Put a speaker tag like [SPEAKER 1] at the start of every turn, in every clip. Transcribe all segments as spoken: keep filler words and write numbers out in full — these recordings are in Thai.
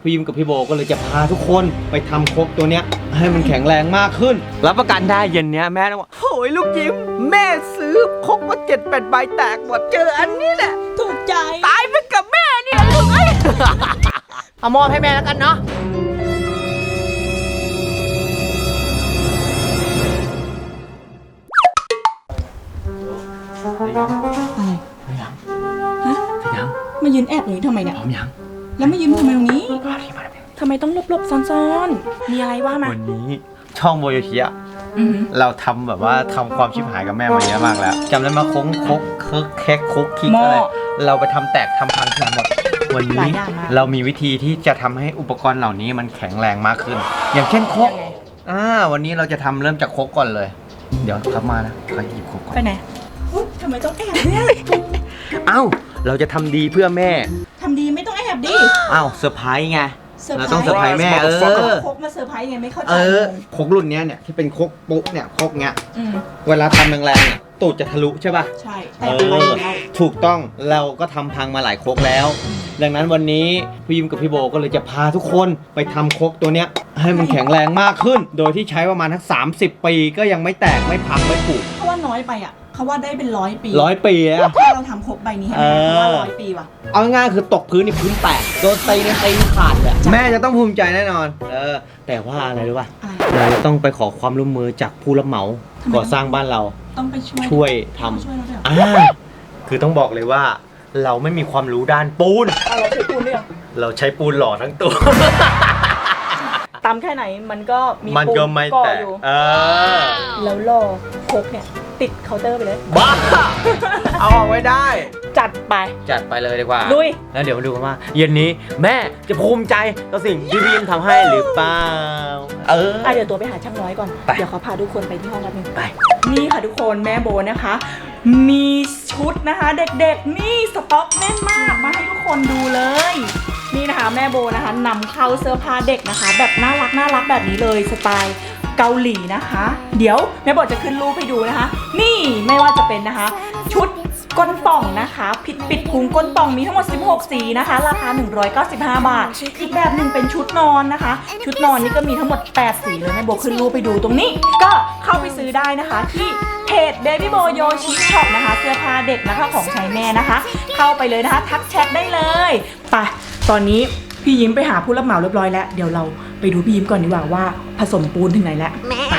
[SPEAKER 1] พี่ยิมกับพี่โบก็เลยจะพาทุกคนไปทำครกตัวเนี้ยให้มันแข็งแรงมากขึ้นรับประกันได้เย็นเนี้ยแม่ต้องว่าโอ้ยลูกยิมแม่ซื้อครกมาเจ็ดแปดใบแตกหมดเจออันนี้แหละ
[SPEAKER 2] ถูกใจ
[SPEAKER 1] ตายไปกับแม่เนี่ยลูกเอ้ยเอามอบให้แม่แล้วกันเนาะ
[SPEAKER 2] อะไร
[SPEAKER 1] ยัง
[SPEAKER 2] ฮะ
[SPEAKER 1] ยัง
[SPEAKER 2] มายืนแอบอย่างนี้ทำไมเนี่ย
[SPEAKER 1] พร้อมยัง
[SPEAKER 2] แล้วมายืนทำไมตรงนี้
[SPEAKER 1] มาดิมาดิ
[SPEAKER 2] ทำไมต้องหลบๆซ่อนๆมีอะไรว่ามา
[SPEAKER 1] วันนี้ช่องโบโยชิอะ
[SPEAKER 2] อือ
[SPEAKER 1] เราทำแบบว่าทำความชิบหายกับแม่มาเยอะมากแล้วจำได้มาโค้งคกเคิร์กแคกคุกคิกอะไรเราไปทำแตกทำพังทั้งหมดวันนี้เรามีวิธีที่จะทำให้อุปกรณ์เหล่านี้มันแข็งแรงมากขึ้น อย่างเช่นครกอ่าวันนี้เราจะทำเริ่มจากครกก่อนเลย เดี๋ยวครับมานะใครหยิบครกก่อน
[SPEAKER 2] ไปไหนทำไมต้องแอบเนี่ย
[SPEAKER 1] เอ้าเราจะทำดีเพื่อแม่
[SPEAKER 2] ทำดีไม่ต้องแอบดิ
[SPEAKER 1] เอ้าเซอร์ไพรส์ไงเราต้องเซอร์ไพรส์แม่เออ
[SPEAKER 2] ครกมาเซอร์ไพรส์ไงไม่เข้าใจ
[SPEAKER 1] เออครกรุ่นนี้เนี่ยที่เป็นครกปุ๊บเนี่ยครกเงี้ยเวลาทำแรงๆเนี่ยตูดจะทะลุใช่ป่ะ
[SPEAKER 2] ใช่
[SPEAKER 1] เออถูกต้องเราก็ทำพังมาหลายครกแล้วดังนั้นวันนี้พี่ยิมกับพี่โบก็เลยจะพาทุกคนไปทำครกตัวเนี้ยให้มันแข็งแรงมากขึ้นโดยที่ใช้ประมาณทั้งสามสิบปีก็ยังไม่แตกไม่พังไม่ผุ
[SPEAKER 2] เขาว่าน้อยไปอ่ะเขาว่าได้เป็นร้อยปี
[SPEAKER 1] ร้อยปีอะ
[SPEAKER 2] ถ้าเราทำครกใบนี้ให้แม่เขาว่าร้อยปีว่ะ
[SPEAKER 1] เอาง่ายๆคือตกพื้นนี่พื้นแตกโดนตีเนี่ยตีขาดเลยแม่จะต้องภูมิใจแน่นอนเออแต่ว่าอะไรรู้ป่ะเราจะต้องไปขอความร่วมมือจากผู้รับเหมาก่อสร้างบ้านเรา
[SPEAKER 2] ต้องไปช่วย
[SPEAKER 1] ช่วยทำอ่าคือต้องบอกเลยว่าเราไม่มีความรู้ด้านปูน
[SPEAKER 2] เราใช้ปูนเนี่ย
[SPEAKER 1] เราใช้ปูนหล่อทั้งตัว
[SPEAKER 2] ตำแค่ไหนมันก็มี
[SPEAKER 1] มันก็ไม่แตกเออ
[SPEAKER 2] แล้วล่อครกเนี่ยติดเคาน์เตอร์ไปเลย
[SPEAKER 1] บ้าเอาออกไว้ได้
[SPEAKER 2] จัดไป
[SPEAKER 1] จัดไปเลยดีกว่า
[SPEAKER 2] ลุย
[SPEAKER 1] แล้วเดี๋ยวมาดูกันว่าเย็นนี้แม่จะภูมิใจต่อสิ่งที่พี่ยิมทำให้หรือเปล่าเออ
[SPEAKER 2] เดี๋ยวตัวไปหาช่างน้อยก่อนเดี๋ยวเขาพาทุกคนไปที่ห้องแป๊บนึง
[SPEAKER 1] ไป
[SPEAKER 2] นี่ค่ะทุกคนแม่โบนะคะมีชุดนะคะเด็กๆนี่สต็อกแน่นมากมาให้ทุกคนดูเลยนี่นะคะแม่โบนะคะนำเข้าเสื้อผ้าเด็กนะคะแบบน่ารักน่ารักแบบนี้เลยสไตล์เกาหลีนะคะเดี๋ยวแม่โบจะขึ้นรูปให้ดูนะคะนี่ไม่ว่าจะเป็นนะคะชุดก้นป่องนะคะปิดปิดพุงก้นป่องมีทั้งหมดสิบหกสีนะคะราคาหนึ่งร้อยเก้าสิบห้าบาทอีกแบบหนึ่งเป็นชุดนอนนะคะชุดนอนนี่ก็มีทั้งหมดแปดสีเลยแม่โบขึ้นรูปไปดูตรงนี้ก็เข้าไปซื้อได้นะคะที่เพจ Baby Bo Yoshi Shop นะคะเสื้อผ้าเด็กนะคะของใช้แม่นะคะเข้าไปเลยนะคะทักแชทได้เลยไปตอนนี้พี่ยิ้มไปหาผู้รับเหมาเรียบร้อยแล้วเดี๋ยวเราไปดูพี่ยิ้มก่อนดีกว่าว่าผสมปูนถึงไหนแล้วไป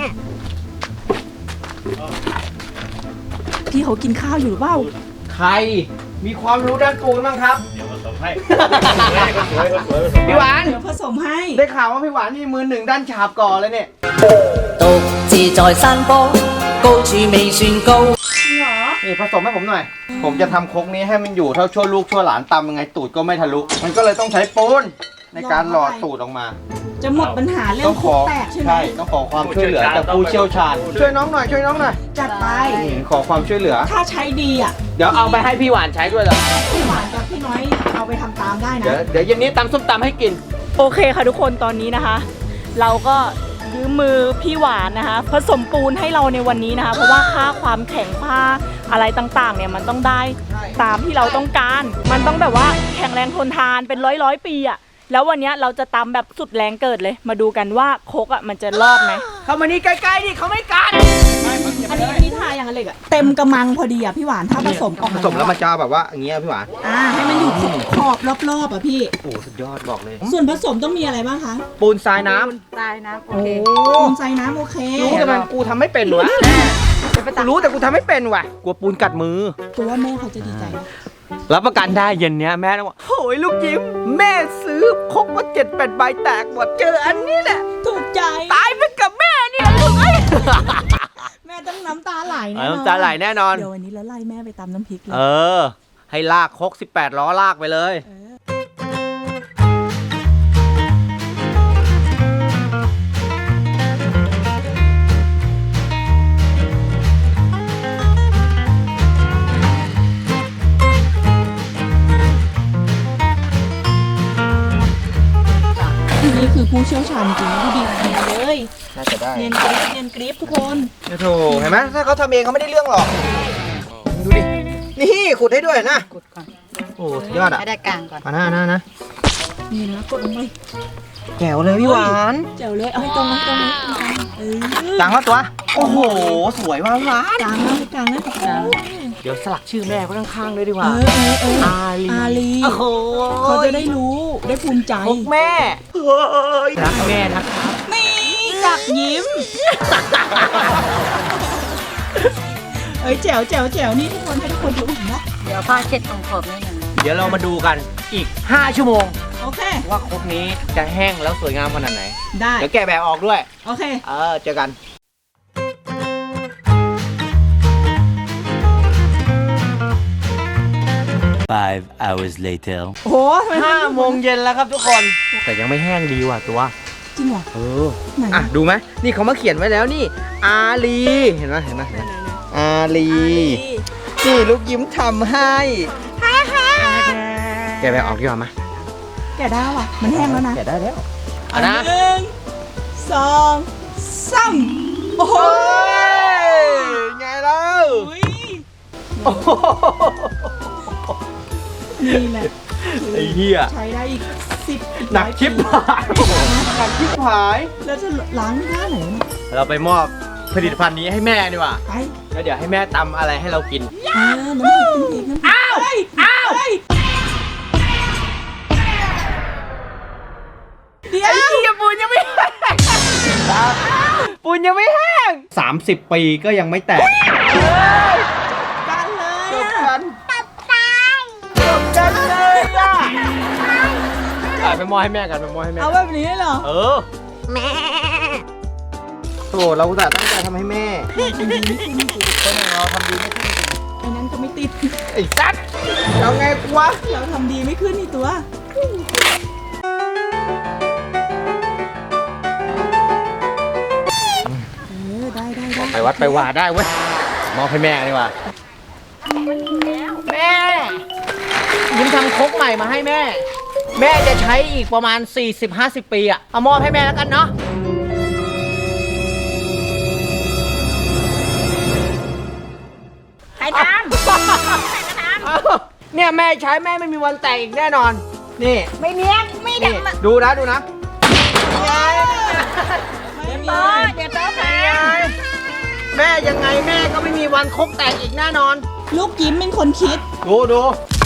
[SPEAKER 2] พี่เขากินข้าวอยู่หรือเปล่า
[SPEAKER 1] ใครมีความรู้ด้านปูนบ้างครับเดี๋ยวผสมให้พี่หวาน
[SPEAKER 2] เดี๋ยวผสมให้
[SPEAKER 1] ได้ข่าวว่าพี่หวานมีมือหนึ่งด้านฉาบก่อเลยเนี่ย
[SPEAKER 3] 獨自在山坡高處未算高
[SPEAKER 1] นี่ผสมให้ผมหน่อยผมจะทำครกนี้ให้มันอยู่เท่าชั่วลูกชั่วหลานตำยังไงตูดก็ไม่ทะลุมันก็เลยต้องใช้ปูนในการหล่อตูดออกมา
[SPEAKER 2] จะหมดปัญหาเรื่องครกแตกใช่ไหม
[SPEAKER 1] ใช่ต้องขอความช่วยเหลือจากผู้เชี่ยวชาญช่วยน้องหน่อยช่วยน้องหน่อย
[SPEAKER 2] จัดไป
[SPEAKER 1] ขอความช่วยเหลือ
[SPEAKER 2] ถ้าใช้ดีอ่ะ
[SPEAKER 1] เดี๋ยวเอาไปให้พี่หวานใช้ด้วยเหรอ
[SPEAKER 2] พี่หวานกับพี่น้อยเอาไปทำตามได้นะ
[SPEAKER 1] เดี๋ยวเดี๋ยวเย็นนี้ตำส้มตำให้กิน
[SPEAKER 2] โอเคค่ะทุกคนตอนนี้นะคะเราก็ยืมมือพี่หวานนะคะผสมปูนให้เราในวันนี้นะคะเพราะว่าค่าความแข็งผ้าอะไรต่างๆเนี่ยมันต้องได้ตามที่เราต้องการมันต้องแบบว่าแข็งแรงทนทานเป็นร้อยร้อยปีอ่ะแล้ววันนี้เราจะตำแบบสุดแรงเกิดเลยมาดูกันว่าโคกอ่ะมันจะรอดไหม
[SPEAKER 1] เข้ามานี่ใกล้ๆดิเขาไม่กัน
[SPEAKER 2] อันนี้อันนี้ทาอย่างเหล็กอ่ะเต็มกระมังพอดีอ่ะพี่หวานถ้าผสมออก
[SPEAKER 1] ผสมแล้วมันจะแบบว่าอย่างเงี้ยพี่หวาน
[SPEAKER 2] อ่าให้มันอยู่ขอบรอบๆอ่ะพี่
[SPEAKER 1] โอ้สุดยอดบอกเลย
[SPEAKER 2] ส่วนผสมต้องมีอะไรบ้างคะ
[SPEAKER 1] ปูนทรายน้
[SPEAKER 2] ำทรายน้ำโอเคปูนทรายน้ำโอเค
[SPEAKER 1] รู้แต่มันกูทำไม่เป็นวะรู้แต่กูทำไม่เป็นว่ะกลัวปูนกัดมือ
[SPEAKER 2] ตัวแม่เขาจะดีใจ
[SPEAKER 1] รับประกันได้เย็นเนี้ยแม่ต้องว่าโอ้ยลูกยิ้มแม่ซื้อครกมาเจ็ดแปดใบแตกหมดเจออันนี้แหละ
[SPEAKER 2] ถูกใจ
[SPEAKER 1] ตายไปกับแม่เนี่ยลูกเอ้ย
[SPEAKER 2] แม่ต้องน้ำตาไหลแน่นอน
[SPEAKER 1] น้ำตาไหลแน่นอน
[SPEAKER 2] เดี๋ยววันนี้เราไล่แม่ไปตำน้ำพริกเลย
[SPEAKER 1] เออให้ลากครกสิบแปดล้อลากไปเลย
[SPEAKER 2] นี่คือผู้เชี่ยวชาญจริงดูดีเลย
[SPEAKER 1] น่าจะได้
[SPEAKER 2] เนียนกริ๊บเนียนกริ๊บทุกคน
[SPEAKER 1] โธ่เห็นไหมถ้าเขาทำเองเขาไม่ได้เรื่องหรอกดูดินี่ขุดให้ด้วยนะขุดก่อนโอ้สุดยอดอ่ะ
[SPEAKER 2] ให้ได้กลางก่อน
[SPEAKER 1] มาหน้าหน้านะ
[SPEAKER 2] นี่นะกดลงไป
[SPEAKER 1] แจ๋วเลยพี่หวาน
[SPEAKER 2] เจ๋วเลยเอาให้ตรงนะตรงนะเออ
[SPEAKER 1] ต่างแล้วตัว โอ้โห สวยมากพี่หวาน
[SPEAKER 2] กลางนะกลางนะกลาง
[SPEAKER 1] เดี๋ยวสลักชื่อแม่ไว้ข้างๆด้วยดีก
[SPEAKER 2] เอ
[SPEAKER 1] ว่า
[SPEAKER 2] อเออเออ
[SPEAKER 1] อาลี
[SPEAKER 2] อาลี
[SPEAKER 1] โอ้โห
[SPEAKER 2] เขาจะได้รู้ได้ภูมิใจ
[SPEAKER 1] พกแม่เฮ้ยรักแม่นะครับ
[SPEAKER 2] นี่กักยิ้ม เอ้ยแจ๋วแจ๋วแจ๋วนี่ทุกคนให้ทุกคนดูนะ
[SPEAKER 3] เดี๋ยวผ้าเช็ดตรงขอบนิดนึง
[SPEAKER 1] เดี๋ยวเรามาดูกันอีก ห้า ชั่วโมง
[SPEAKER 2] โอเค
[SPEAKER 1] ว่าครกนี้จะแห้งแล้วสวยงามขนาดไหน
[SPEAKER 2] ได้
[SPEAKER 1] เดี๋ยวแกะแบบออกด้วย
[SPEAKER 2] โอเค
[SPEAKER 1] เออ เจอกัน
[SPEAKER 4] Five hours later.
[SPEAKER 2] โอ้โหทำไม
[SPEAKER 1] ห้าโมงเย็นแล้วครับทุกคน แต่ยังไม่แห้งดีว่ะตัว
[SPEAKER 2] จริงเหรอ
[SPEAKER 1] เออ
[SPEAKER 2] ไหน
[SPEAKER 1] อ่ะ ดูไหมนี่เขามาเขียนไว้แล้วนี่ อาลี เห็นไหมเห็นไหมเห็นไหมอาลี นี่ลูกยิ้มทำให้แกะแบบออกดีกว่าไหม
[SPEAKER 2] แกะได้ว่ะมันแห้งแล้วนะ
[SPEAKER 1] แกะได้แล้วเอานะ
[SPEAKER 2] หนึ่งสองสามโอ้โห
[SPEAKER 1] โอ้ยไงเล่า
[SPEAKER 2] อุ๊ย
[SPEAKER 1] โอ้โห
[SPEAKER 2] นี่แหละ
[SPEAKER 1] ไอ้เหี้ย
[SPEAKER 2] ใช้ได้อีกสิบ
[SPEAKER 1] หนักชิบหายหนักชิบหาย
[SPEAKER 2] แล้วจะล้างหน้าไหนวะเนี่ย
[SPEAKER 1] เราไปมอบผลิตภัณฑ์นี้ให้แม่ดีกว่า
[SPEAKER 2] ไป
[SPEAKER 1] แล้วเดี๋ยวให้แม่ตำอะไรให้เรากิน
[SPEAKER 2] อ่าน้ำพริกน้ำพริกน้ำพริกอ้าวอ้าวเดี๋ยว
[SPEAKER 1] ไอ้เหี้ยปูนยังไม่แห้งปูนยังไม่แห้งสามสิบปีก็ยังไม่แตก
[SPEAKER 2] กันเลย
[SPEAKER 1] จบ
[SPEAKER 2] อะ
[SPEAKER 1] กันจบกันเลยอ่ะอ่ะไปมอบให้แม่กันไปมอบให้แม่
[SPEAKER 2] เอาแบบนี้เหรอ
[SPEAKER 1] เออแม่โอ้เราแต่ตั้งใจทำให้แม่คนอย่างเราทำดีไม่ขึ้น
[SPEAKER 2] ไอ้นั้นก็ไม่ติด
[SPEAKER 1] ไอ้สัตว์เอาไงกูวะ
[SPEAKER 2] เราทำดีไม่ขึ้นนี่ตัว เออ ได้ได้ได้
[SPEAKER 1] ไปวัดไปวาได้เว้ยมอบให้แม่ดีกว่าแม่ยิ้มทำครกใหม่มาให้แม่ แม่จะใช้อีกประมาณ สี่สิบห้าสิบ ปีอะเอามอบให้แม่แล้วกันเนาะ
[SPEAKER 2] ใครทำ
[SPEAKER 1] เนี่ยแม่ใช้แม่ไม่มีวันแตกอีกแน่นอน นี่
[SPEAKER 2] ไม่เนี้ยไม่
[SPEAKER 1] นี่ดูนะดูนะไง
[SPEAKER 2] ไม่มี
[SPEAKER 1] เดี๋ยวโต๊ะแม่ยังไงแม่ก็ไม่มีวันครกแตกอีกแน่นอน
[SPEAKER 2] ลูกยิ้มเป็นคนคิด
[SPEAKER 1] ดูดู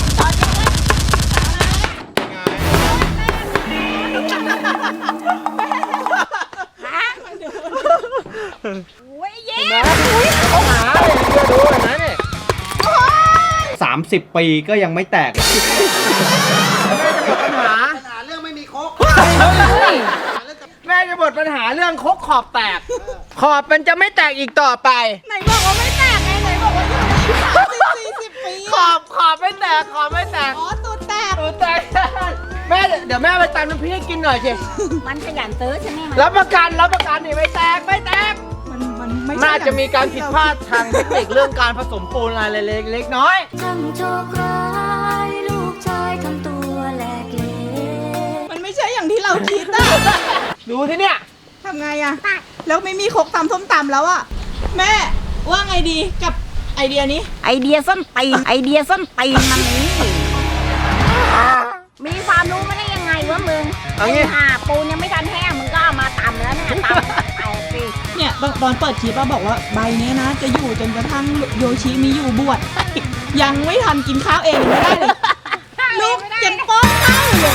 [SPEAKER 1] เห็นไหมเขาหาเลยเดี๋ยวดูเห็นไหมเนี่ยสามสิบปีก็ยังไม่แตกแม่จะหมดปัญหาปัญหาเรื่องไม่มีครกแม่จะหมดปัญหาเรื่องครกขอบแตก ขอบมันจะไม่แตกอีกต่อไป
[SPEAKER 2] ไหนบอกว่าไม่แตกไงไหนบอกว่าอยู่สี่สิบปี
[SPEAKER 1] ขอบขอบไม่แตกขอบไม่แตก
[SPEAKER 2] อ๋อตูดแตก
[SPEAKER 1] ตูแตกแม่เดี๋ยวแม่ไปตำน้ำพริกให้กินหน่อยสิ
[SPEAKER 3] มันขยันซื้อใช่ไหมมัน
[SPEAKER 1] รับประกันรับประกันนี่ไม่แตกไม่แตก
[SPEAKER 2] มันมันไม่
[SPEAKER 1] น่าจะมีการผิดพลาดทางเทคนิคเรื่องการผสมปูนอะไรเล็กๆน้อย
[SPEAKER 5] ช่างโชคร้ายลูกชายทำตัวแหลกเหลว
[SPEAKER 2] มันไม่ใช่อย่างที่เราคิดอะ
[SPEAKER 1] ดูที่เนี่ย
[SPEAKER 2] ทำไงอะแล้วไม่มีครกตำส้มตำแล้วอะแม่ว่าไงดีกับไอเดียนี้
[SPEAKER 3] ไอเดียส้นตีนไอเดียส้นตีนมันนี้มีความรู้มาได้ยังไงวะมึง
[SPEAKER 1] เอางี้
[SPEAKER 3] อ่าปูนยังไม่ทันแห้งมึงก็เอามาตำแล้วเนี่ยตำเอาสิ
[SPEAKER 2] เนี่ยตอนตอนเปิดคลิปอะบอกว่าใบเนี้ยนะ จะอยู่จนกระทั่งโยชิมีอยู่บวช ยังไม่ทันกินข้าวเองยังไม่ได้เลย ลูกเจ็บป้อนข้าวเลย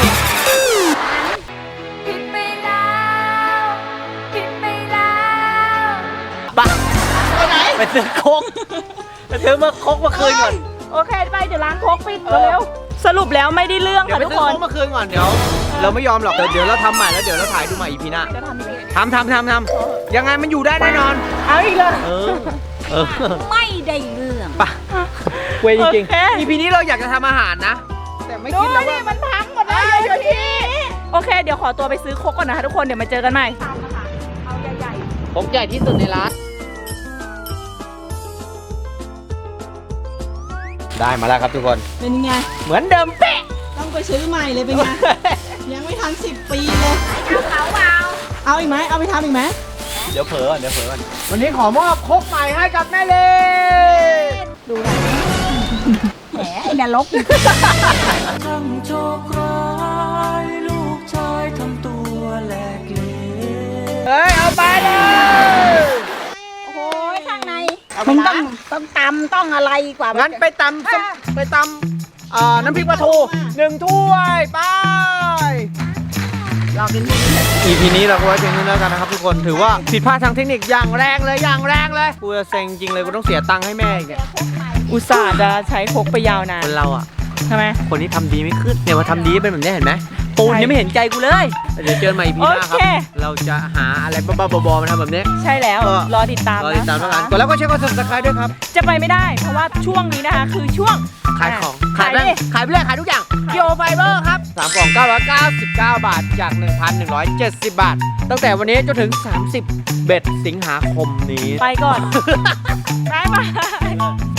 [SPEAKER 5] ผิดไปแล้วผิดไปแล้ว
[SPEAKER 1] ไปไปไหนไปซื้อโคกไปซื้อมาโคกมาคืนก่อน
[SPEAKER 2] โอเคไปเดี๋ยวร้านโคกปิดเร็วสรุปแล้วไม่ได้เรื่อง
[SPEAKER 1] เดี๋ยว
[SPEAKER 2] ค่ะ
[SPEAKER 1] ไป
[SPEAKER 2] ทุก
[SPEAKER 1] ซื้อ
[SPEAKER 2] คน
[SPEAKER 1] โคกมาคืนก่อนเดี๋ยวเราไม่ยอมหรอกเดี๋ยวเดี๋ยวเราทำใหม่แล้วเดี๋ยวเราถ่ายดูใหม่อีพีหน้า
[SPEAKER 2] จะทำยังไง
[SPEAKER 1] ทำทำทำทำยังไงมันอยู่ได้แน่นอน
[SPEAKER 2] เอาอีกเลย
[SPEAKER 1] เออเออ
[SPEAKER 3] ไม่ได้เรื่อง
[SPEAKER 1] ไปเว้ยจริง
[SPEAKER 2] โอเค
[SPEAKER 1] ๆ อีพีนี้เราอยากจะทำอาหารนะ แต่ไม่
[SPEAKER 2] ดู
[SPEAKER 1] คิดแล้ว
[SPEAKER 2] ดิ
[SPEAKER 1] ว่า
[SPEAKER 2] มันพังหมดเลยโยชิโอเค เดี๋ยวขอตัวไปซื้อโคกก่อนนะคะทุกคนเดี๋ยวมาเจอกันใหม่เอาใหญ่
[SPEAKER 1] โคกใหญ่ที่สุดในร้านได้มาแล้วครับทุกคน
[SPEAKER 2] ๆเป็นไง
[SPEAKER 1] เหมือนเดิมเป๊ะ
[SPEAKER 2] ต้องไปซื้อใหม่เลยเป็นไง ยังไม่ทันสิบปีเลย
[SPEAKER 3] เขาเปล่า
[SPEAKER 2] เอาอีกไหมเอาไปทำอีกไหม
[SPEAKER 1] เดี๋ยวเผลอก่อนเดี๋ยวเผลอก่อนวันนี้ขอมอบโคกใหม่ให้กับแม่เลย
[SPEAKER 2] ดูหน่อย
[SPEAKER 3] แหมไอ้นรก
[SPEAKER 4] ช่างโชคร้ายลูก
[SPEAKER 6] มึงต้องต้องตำต้องอะไรกว่า
[SPEAKER 1] งั้
[SPEAKER 6] งั้
[SPEAKER 1] นไปตำส้มไปตำเอ่อน้ำพริกปลาทูหนึ่งถ้วยไป
[SPEAKER 6] ลองกินที่นี่
[SPEAKER 1] อีพีนี้เราก็ไว้เพียงเท่านี้แล้วกันนะครับทุกคนถือว่าผิดพลาดทางเทคนิคอย่างแรงเลยอย่างแรงเลยกูจะเซ็งจริงเลยกูต้องเสียตังค์ให้แม่อีกเนี่ย
[SPEAKER 2] อุตส่าห์จะใช้พกไปยาวนาน
[SPEAKER 1] คนเราอ่ะ
[SPEAKER 2] ใช่ไหม
[SPEAKER 1] คนที่ทำดีไม่ขึ้นเนี่ยมาทำดีเป็นแบบนี้เห็นไหมปูนยังไม่เห็นใจกูเลยเดี๋ยวเจอกันใหม่อีพีหน้าค
[SPEAKER 2] โอ
[SPEAKER 1] รับ
[SPEAKER 2] เค
[SPEAKER 1] เราจะหาอะไรบ้าๆบอๆมาทำแบบนี้
[SPEAKER 2] ใช่แล้ว
[SPEAKER 1] เออ
[SPEAKER 2] รอติดตาม
[SPEAKER 1] รอ
[SPEAKER 2] นะ
[SPEAKER 1] ติดตามแล้วกันกดแล้วก็เช็คกด subscribe ด้วยครับ
[SPEAKER 2] จะไปไม่ได้ เพราะว่าช่วงนี้นะคะ คือช่วง
[SPEAKER 1] ขายของ
[SPEAKER 2] ขาย
[SPEAKER 1] ไป
[SPEAKER 2] ดิ
[SPEAKER 1] ขายไปเลยขายทุกอย่างเกียวไฟเบอร์ครับสามกล่องเก้าร้อยเก้าสิบเก้าบาทจาก หนึ่งพันหนึ่งร้อยเจ็ดสิบ บาท ตั้งแต่วันนี้จนถึงสามสิบเบ็ดสิงหาคมนี้
[SPEAKER 2] ไปก่อน บ๊ายบาย